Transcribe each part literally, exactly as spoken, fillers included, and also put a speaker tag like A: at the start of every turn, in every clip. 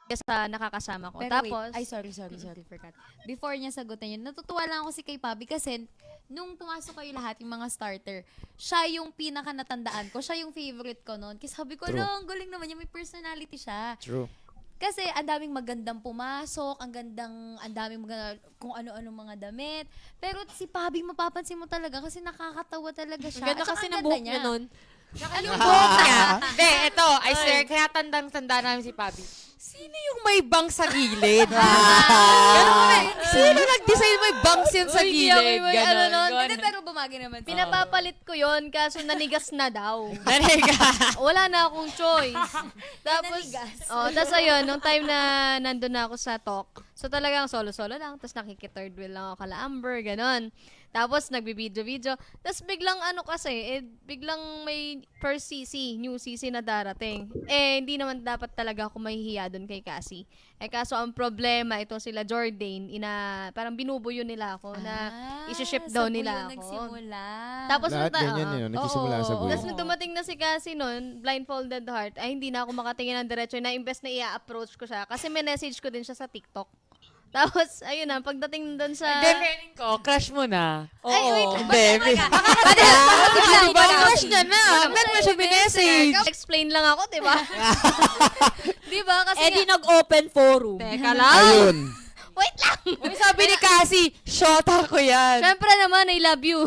A: sa nakakasama ko.
B: Pero
A: Tapos,
B: wait, ay sorry, sorry, sorry for cut. Before niya sagutin yun, natutuwa lang ako si kay Pabi kasi nung pumasok kayo lahat, yung mga starter, siya yung pinaka natandaan ko, siya yung favorite ko noon. Kasi sabi ko,
C: True.
B: no, ang galing naman niya, may personality siya.
C: True.
B: Kasi ang daming magandang pumasok, ang gandang, ang daming maganda, kung ano-ano mga damit. Pero si Pabi, mapapansin mo talaga kasi nakakatawa talaga siya.
D: Ang ganda
B: At saka
D: kasi
B: ang
D: ng
B: ganda
D: buhok niya nun.
B: Ano
D: Yung buhok niya. Be, eto, I swear, kaya tandang-tanda namin si Pabi. Sino yung may bangs sa gilid? Ganun kami. Sino nag-design may bangs yan sa
A: Uy, di
D: gilid?
A: ako yung may ano
D: Ganon.
A: nun.
D: Ganon.
B: Hindi, pero bumagi naman. siya.
A: pinapapalit ko yon kaso nanigas na daw.
D: Nariga.
A: Wala na akong choice. Tapos,
B: Nanigas.
A: oh, tapos ayun, nung time na nandun na ako sa talk, so talagang solo-solo lang, tapos nakiki-third wheel lang ako kala Amber, ganon. Tapos nagbibideo-video, tapos biglang ano kasi, eh, biglang may first C C, new C C na darating. Eh, hindi naman dapat talaga ako mahihiya dun kay Cassie. Eh, kaso ang problema, itong sila Jordan, ina, parang binubuyo nila ako na
B: Ah,
A: isi-ship
B: sa
A: daw
B: buyo
A: nila ako.
B: nagsimula.
A: Tapos
C: Lahat
A: nung ta-
C: ganyan
A: oo.
C: yun. Nagsisimula sa
B: Oo.
C: buhay.
A: Tapos nung dumating na si Cassie nun, blindfolded heart, ay hindi na ako makatingin ng diretso na imbes na i-approach ko siya. Kasi may message ko din siya sa TikTok. Tapos, ayun na, pagdating doon sa...
D: Hindi, feeling ko, crush mo na. Oo.
A: Ay, wait lang.
D: Baby.
A: Biglang,
D: Ba, crush niya na. Ba't mo siya binessage?
A: Explain lang ako, di ba? di ba? Kasi
D: Eh, di
A: nga-
D: nag-open forum.
A: Teka lang.
C: Ayun.
A: Wait lang.
D: Uy, sabi ni Cassie, shota ko yan.
A: Siyempre naman, I love you.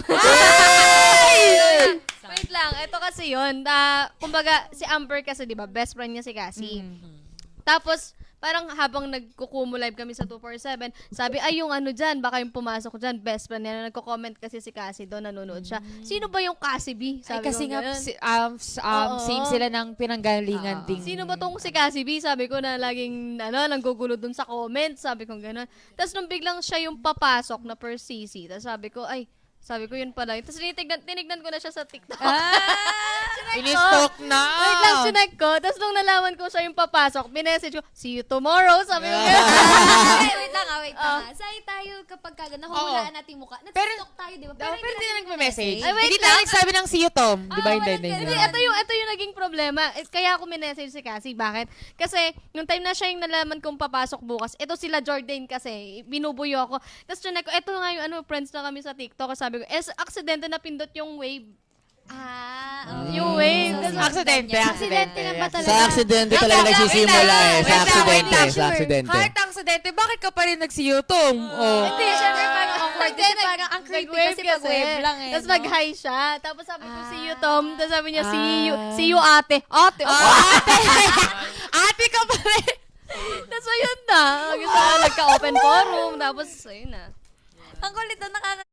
A: Wait lang, ito kasi yun. Ah, kumbaga, si Amber kasi, di ba, best friend niya si Cassie. Tapos, parang habang nagkukumo live kami sa two forty-seven, sabi, ay, yung ano dyan, baka yung pumasok dyan, best friend niya. Nagko-comment kasi si Cassie doon, nanonood siya. Sino ba yung Cassie B?
D: Ay,
A: Sabi
D: kasi
A: ko
D: nga,
A: ganun.
D: si- um, s- um,
A: Oo.
D: same sila ng pinanggalingan ding.
A: Sino ba tong si Cassie B? Sabi ko na laging, ano, nanggugulo dun sa comments. Sabi ko gano'n. Tapos nung biglang siya yung papasok na per C C, tapos sabi ko, ay, sabi ko yun pala. Tapos tinignan, tinignan ko na siya sa TikTok.
D: Ini-stalk na.
A: Wait lang, sinek ko. Tapos nung nalaman ko siya yung papasok, minessage ko, see you tomorrow. Sabi ko, gano'n.
B: Ay, wait lang ah, wait lang ah. Say tayo kapag kaga nahuhulaan natin yung mukha. Nag-tiktok tayo, di ba?
D: Pero, pero hindi na
B: natin
D: nagme-message.
A: Ay, wait
D: Hindi tayo
A: lang.
D: nagsabi ng see you, Tom. Di ba?
B: Ah,
D: Hindi,
B: walang
D: hindi.
B: ganun.
A: Hindi,
D: hindi.
A: ito yung, ito yung naging problema. Eh, Kaya ako minessage si Cassie. Bakit? Kasi, nung time na siya yung nalaman kong papasok bukas, ito sila Jordan kasi, binubuyo ako. Tapos siya ko, ito nga yung ano, friends na kami sa TikTok. Sabi ko, eh, aksidente na pindot yung wave.
B: Ah,
A: Yung wave.
B: So,
D: Aksidente,
B: Aksidente na ba talaga?
C: Sa aksidente
D: Wait
C: talaga
D: lang,
C: nagsisimula
D: wait lang,
C: eh. Sa
D: wait lang, wait
C: aksidente.
D: lang.
C: Sa aksidente.
D: Heart aksidente, bakit ka pa rin nag-see you, Tom? Oh.
B: Hindi, syempre parang awkward kasi parang ang creepy kasi pag wave lang eh.
A: Tapos
B: no?
A: mag-hi siya. Tapos sabi ko, see you, Tom. Tapos sabi niya,
D: Ah.
A: see you, see you, ate. Ate, oh.
D: Ate! Ate ka pa rin!
A: Tapos ayun na. Gusto ko nagka-open forum. Tapos, ayun na.
B: Ang kulit na nakaka